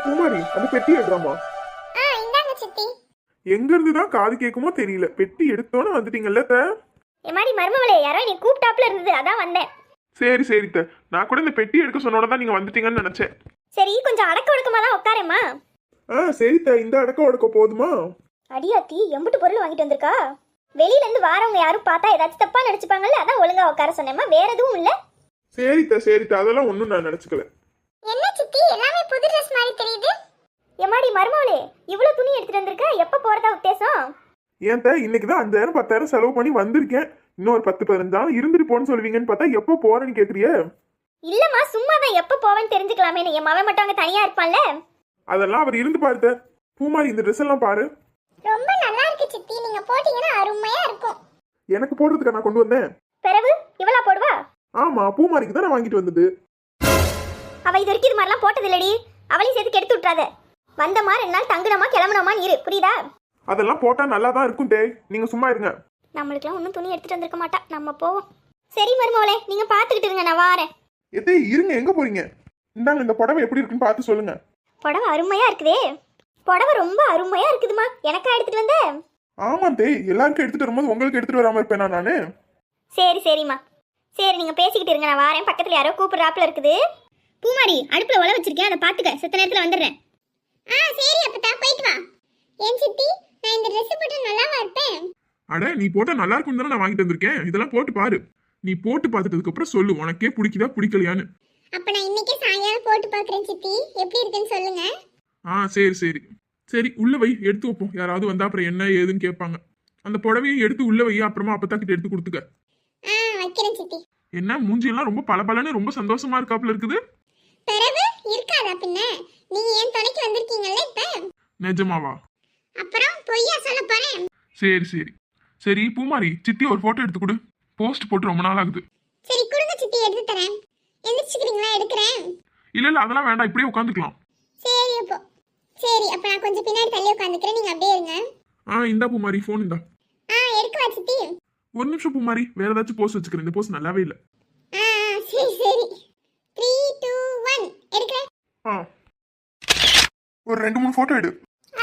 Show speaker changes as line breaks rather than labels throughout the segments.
பூமாரி அந்த பெட்டி எடுறாமா.
இந்தாங்க சித்தி.
எங்க இருந்துதான் காது கேட்குமோ தெரியல. பெட்டி எடுத்தோன்னு வந்துட்டீங்கல்ல த.
எம்மாடி மருமவளே, யாரோ நீ கூப்பிட்டாப்ல இருந்தது, அதான் வந்தேன்.
சரி சரி த. நான் கூட இந்த பெட்டி எடுக்க சொன்னோட தான் நீங்க வந்துட்டீங்கன்னு நினைச்சேன்.
சரி, கொஞ்சம் அடக்க ஒடுக்கமா தான் உட்காரேம்மா.
சரி த. இந்த அடக்கம் உடக்க போதுமா?
அடியாத்தி, எம்பிட்டு பொருள் வாங்கிட்டு வந்திருக்கா. வெளியில இருந்து வாரவங்க யாரும் பார்த்தா ஏதாச்சும் தப்பா நினைச்சுப்பாங்கல்ல, அதான் ஒழுங்கா உட்கார சொன்னேம்மா. வேற எதுவும் இல்ல.
சரி த சரி த. அதெல்லாம் ஒண்ணும் நான் நினைச்சுக்கல.
என்ன சித்தி, எல்லாமே புது ட்ரெஸ் மாதிரி தெரியுது. எம்மாடி மருமவளே, இவ்வளவு துணி எடுத்துட்டு வந்திருக்க, எப்ப போறதா உத்தேசம்?
ஏன் த இன்னைக்குதான் 5000 10,000 செலவு பண்ணி வந்திருக்கேன். இன்னும் ஒரு 10-15 நாள் இருந்துட்டு போன்னு சொல்லுவீங்கன்னு பார்த்தா எப்போ போறேன்னு கேக்குறிய?
இல்லம்மா, சும்மா தான் எப்ப போவேன்னு தெரிஞ்சுக்கலாமே. என் மவன் மட்டும் அங்க தனியா இருப்பான்ல.
அதெல்லாம் அவர் இருந்து பாருத்த. பூமாரி இந்த ட்ரெஸ் எல்லாம் பாரு.
ரொம்ப நல்லா இருக்கு சித்தி, நீங்க போட்டீங்கன்னா அருமையா இருக்கும்.
எனக்கு போடுறதுக்கு நான் கொண்டு வந்தேன்.
பிறகு இவளா போடுவா?
ஆமா, பூமாரிக்கு தான் நான் வாங்கிட்டு வந்தது.
அவ இது வரைக்கும் இது மாதிரிலாம் போட்டது இல்லடி. அவளையும் சேர்த்து கெடுத்து விட்டுறாத. வந்தமா 2 நாள் தங்குனமா கிளம்புனமான்னு இரு, புரியுதா?
அதெல்லாம் போட்டா நல்லா தான் இருக்கும் டே. நீங்க சும்மா இருங்க.
நம்மளுக்குலாம் ஒன்றும் துணி எடுத்துட்டு வந்திருக்க மாட்டா, நம்ம போவோம். சரி மருமவளே, நீங்க பாத்துக்கிட்டு இருங்க, நான் வாரேன்.
எதே இருங்க, எங்க போறீங்க? இந்தாங்க, இந்த புடவை எப்படி இருக்குன்னு பார்த்து சொல்லுங்க.
புடவை அருமையா இருக்குதே. புடவை ரொம்ப அருமையா இருக்குதுமா. எனக்கா எடுத்துட்டு வந்த?
ஆமா தே, எல்லாருக்கும் எடுத்துட்டு வரும்போது உங்களுக்கு எடுத்துட்டு வராம இருப்பேனா நானு?
சரி சரிம்மா. சரி, நீங்க பேசிக்கிட்டு இருங்க, நான் வாரேன். பக்கத்துல யாரோ கூப்பிடுறாப்புல இருக்குது. பூமாரி, அடுப்புல உல வச்சிருக்கேன், அதை பாத்துக்க. செத்த நேரத்துல வந்துடுறேன். சரி அப்பதா, போயிட்டு வா. ஏன் சித்தி, நான் இந்த Dress போட்டு நல்லாவா இருப்பேன்?
அட, நீ போட்டா நல்லா இருக்கும் தானே நான் வாங்கிட்டு வந்திருக்கேன். இதெல்லாம் போட்டு பாரு. நீ போட்டு பார்த்துட்டதுக்கு அப்புறம் சொல்லு உனக்கே பிடிக்குதா பிடிக்கலையான்னு.
அப்ப நான் இன்னைக்கே சாயங்காலம் போட்டு பாக்குறேன் சித்தி, எப்படி இருக்குன்னு சொல்லுங்க.
சரி சரி சரி, உள்ள வை, எடுத்து வைப்போம். யாராவது வந்தா அப்புறம் என்ன ஏதுன்னு கேட்பாங்க. அந்த புடவையை எடுத்து உள்ள வை, அப்புறமா அப்பத்தாக்கிட்ட எடுத்து கொடுத்துக்க.
வைக்கிறேன் சித்தி.
என்ன மூஞ்சியெல்லாம் ரொம்ப பளபளன்னு ரொம்ப சந்தோஷமா இருக்காப்புல இருக்குது.
பிறகு இருக்காதா பின்ன? நீங்க ஏன் துணைக்கு வந்திருக்கீங்கல்ல இப்ப.
நிஜமாவா?
அப்புறம் பொய்யா சொல்ல போறேன்?
சரி சரி சரி, பூமாரி சித்தி ஒரு போட்டோ எடுத்து கொடு. போஸ்ட் போட்டு ரொம்ப நாள் ஆகுது.
சரி கொடுங்க சித்தி, எடுத்து தரேன். எந்திரிச்சுக்கிறீங்களா? எடுக்கிறேன்.
இல்ல அதெல்லாம் வேண்டாம், இப்படியே உட்காந்துக்கலாம்.
சரி அப்போ. சரி அப்ப நான் கொஞ்சம் பின்னாடி தள்ளி உட்காந்துக்கிறேன், நீங்க அப்படியே இருங்க.
இந்தா பூமாரி, போன் இந்தா.
எடுக்கவா சித்தி?
ஒரு நிமிஷம் பூமாரி, வேற ஏதாச்சும் போஸ்ட் வச்சுக்கிறேன். இந்த போஸ்ட் நல்லாவே இல்ல.
சரி சரி. 3 2 1 எடுக்கிறேன்.
ஒரு 2-3 போட்டோ எடு.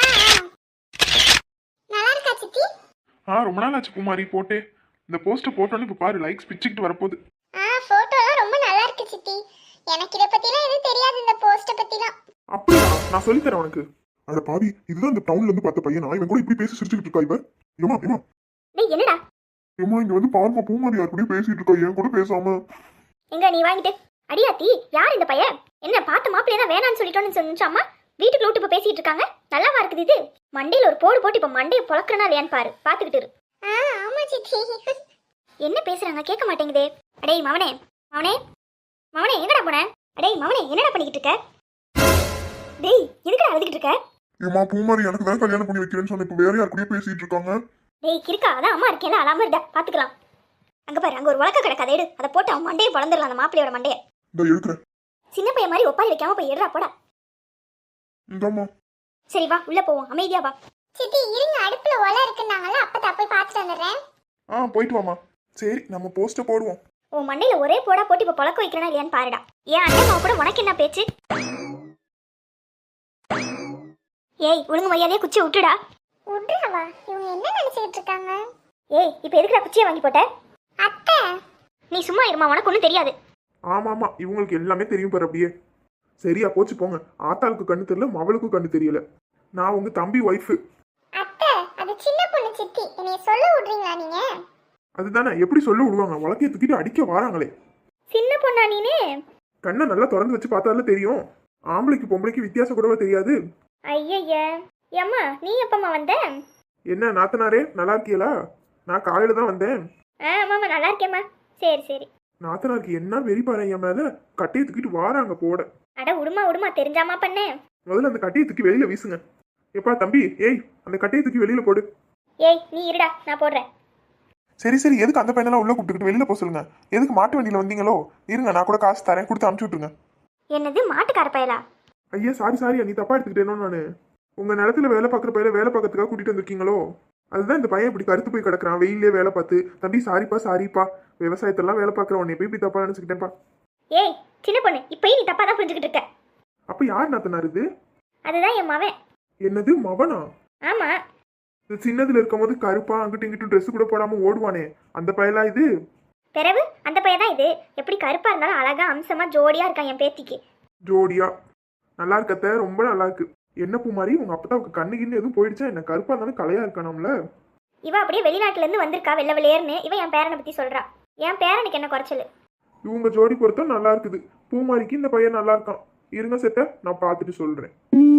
நல்லா இருக்கா சித்தி?
ரொம்ப நாள் ஆச்சு பூமாரி போட்டே. இந்த போஸ்ட் போட்டோன்னு இப்ப பாரு, லைக்ஸ் பிச்சுக்கிட்டு வரப்போகுது.
போட்டோலாம் ரொம்ப நல்லா இருக்கு சித்தி. எனக்கு இத பத்திலாம் எதுவும் தெரியாது, இந்த போஸ்ட பத்திலாம்.
அப்படியா? நான் சொல்லி தரேன் உனக்கு. அட பாவி, இதுதான் இந்த டவுன்ல இருந்து பார்த்த பையனா? இவன் கூட இப்படி பேசி சிரிச்சுக்கிட்டு இருக்கா இவ? ஏமா ஏமா
டேய் என்னடா?
ஏமா இங்க வந்து பாருமா, பூமாரி யார் கூடயும் பேசிட்டு இருக்கா, என் கூட பேசாம.
எங்க நீ வாங்கிட்டு? அடியாத்தி, யார் இந்த பையன்? என்ன பார்த்த மாப்பிள்ளைய தான் வேணான்னு சொல்லிட்டோன்னு சொன்னாமா? வீட்டுக்குள்ள விட்டு இப்ப பேசிட்டு இருக்காங்க. நல்லாவா இருக்குது இது? மண்டையில ஒரு போடு போட்டு இப்ப மண்டையை பொளக்குறனா இல்லையான்னு பாரு, பாத்துக்கிட்டு இரு. ஆமா சித்தி. என்ன பேசுறாங்க கேட்க மாட்டேங்குதே. அடேய் மவனே மவனே மவனே, எங்கடா போன? அடேய் மவனே, என்னடா பண்ணிக்கிட்டு இருக்க? டேய் எதுக்குடா அழுதுகிட்டு இருக்க?
ஏமா பூமாரி எனக்கு தான் கல்யாணம் பண்ணி வைக்கிறேன்னு சொன்ன, இப்ப வேற யார் கூடயும் பேசிட்டு இருக்காங்க.
டேய் கிறுக்கா, அதான் அம்மா இருக்கேன்ல, அழாம இருடா, பாத்துக்கலாம். அங்க பாரு, அங்க ஒரு உலக்க கிடக்கு, அதை எடு. அதை போட்டு அவன் மண்டையை பொளந்துடலாம், அந்த மாப்பிள்ளையோட மண்டையை.
இந்த எடுக்கிறேன்.
சின்ன பையன் மாதிரி ஒப்பாரி வைக்காம போய் எடுறா போடா.
இந்தாம்மா.
சரி வா, உள்ள போவோம், அமைதியா வா. சித்தி இருங்க, அடுப்புல ஒலை இருக்குன்னாங்கல்ல, அப்பதா போய் பார்த்துட்டு வந்துடுறேன்.
போயிட்டு வாமா. சரி, நம்ம போஸ்ட போடுவோம்.
உன் மண்டையில ஒரே போடா போட்டு இப்ப பொளக்க வைக்கிறனா இல்லையான்னு பாருடா. ஏன் அண்ணன் கூட உனக்கு என்ன பேச்சு? ஏய் ஒழுங்கு மரியாதையா குச்சி விட்டுடா. விட்டுறாவா? இவங்க என்ன நினைச்சிட்டு இருக்காங்க? ஏய் இப்ப எதுக்குடா குச்சியை வாங்கி போட்ட? அத்தை நீ சும்மா இருமா, உனக்கு ஒன்றும் தெரியாது.
ஆமா, இவங்களுக்கு எல்லாமே தெரியும் பாரு அப்படியே. சரியா போச்சு போங்க. ஆத்தாளுக்கு கண்ணு தெரியல, மவளுக்கும் கண்ணு தெரியல. நான் உங்க தம்பி ஒய்ஃபு.
அத்தை அது சின்ன பொண்ணு சித்தி, என்னைய சொல்ல விடுறீங்களா நீங்க?
அதுதானே, எப்படி சொல்ல விடுவாங்க? வழக்கைய தூக்கிட்டு அடிக்க வாராங்களே.
சின்ன பொண்ணா நீனே?
கண்ணை நல்லா திறந்து வச்சு பார்த்தால தெரியும். ஆம்பளைக்கு பொம்பளைக்கு வித்தியாசம் கூடவா தெரியாது?
ஐயய்யா ஏம்மா, நீ எப்பம்மா வந்த?
என்ன நாத்தனாரே, நல்லா இருக்கீங்களா? நான் காலையில தான் வந்தேன்.
ஆமாம்மா நல்லா இருக்கேம்மா. சரி சரி.
நாத்தனாருக்கு என்ன வெறி பாரு என் மேல. கட்டையை தூக்கிட்டு வாராங்க போட.
அட உடுமா தெரிஞ்சாமா பண்ணேன்.
முதல்ல அந்த கட்டையை தூக்கி வெளியில வீசுங்க. எப்பா தம்பி, ஏய் அந்த கட்டையை தூக்கி வெளியில போடு.
ஏய் நீ இருடா, நான் போடுறேன்.
சரி எதுக்கு அந்த பையனெல்லாம் உள்ள கூப்பிட்டுக்கிட்டு வெளியில போக சொல்லுங்க? எதுக்கு மாட்டு வண்டியில வந்தீங்களோ? இருங்க, நான் கூட காசு தரேன், கொடுத்து அனுப்பிச்சு விட்டுருங்க.
என்னது மாட்டுக்கார பயலா?
ஐயா சாரி, நீ தப்பா எடுத்துக்கிட்டேனோ? நானு உங்க நிலத்துல வேலை பார்க்குற பையல வேலை பார்க்கறதுக்காக கூட்டிட்டு வந்திருக்கீங்களோ? அதுதான் இந்த பையன் இப்படி கருத்து போய் கிடக்குறான் வெயிலே வேலை பார்த்து. தம்பி சாரிப்பா, விவசாயத்தெல்லாம் வேலை பார்க்குற உன்னை போய் இப்படி தப்பா நினைச்சுக்கிட்டேன்ப்பா.
ஏய் சின்ன பொண்ணு, இப்பயும் நீ தப்பா தான் புரிஞ்சுக்கிட்டு இருக்க.
அப்ப யார் நாத்தனார் இது?
அதுதான் என் மவன்.
என்னது மவனா?
ஆமா.
இந்த சின்னதுல இருக்கும்போது கருப்பா அங்கிட்டு இங்கிட்டு ட்ரெஸ் கூட போடாம ஓடுவானே அந்த பையலா இது?
பிறகு அந்த பையன் தான் இது. எப்படி கருப்பா இருந்தாலும் அழகா அம்சமா ஜோடியா இருக்கான் என் பேத்திக்கு.
ஜோடியா நல்லா இருக்கத்த, ரொம்ப நல்லா இருக்கு. என்ன பூமாரி, உங்க அப்பதான் கண்ணு கிண்ணு எதுவும் போயிடுச்சா என்ன? கருப்பா இருந்தாலும் கலையா இருக்கானாம்ல.
இவ அப்படியே வெளிநாட்டுல இருந்து வந்திருக்கா வெள்ளை வெளியேர்னு. இவ என் பேரனை பத்தி சொல்றா. என் பேரனுக்கு என்ன குறைச்சல்?
இவங்க ஜோடி பொறுத்தும் நல்லா இருக்குது. பூமாரிக்கு இந்த பையன் நல்லா இருக்கான். இருங்க செத்த, நான் பார்த்துட்டு சொல்றேன்.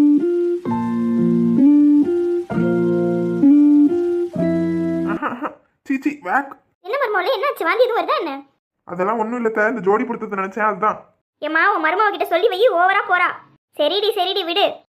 சீச்சி வேக்.
என்ன மருமகளே, என்னாச்சு? வாந்தி எதுவும் வருதா என்ன?
அதெல்லாம் ஒண்ணும் இல்ல, இந்த ஜோடி பொருத்தத்தை நினைச்சேன் அதுதான்.
ஏம்மா, உன் மருமக கிட்ட சொல்லி வை, ஓவரா போறா. சரிடி சரிடி விடு.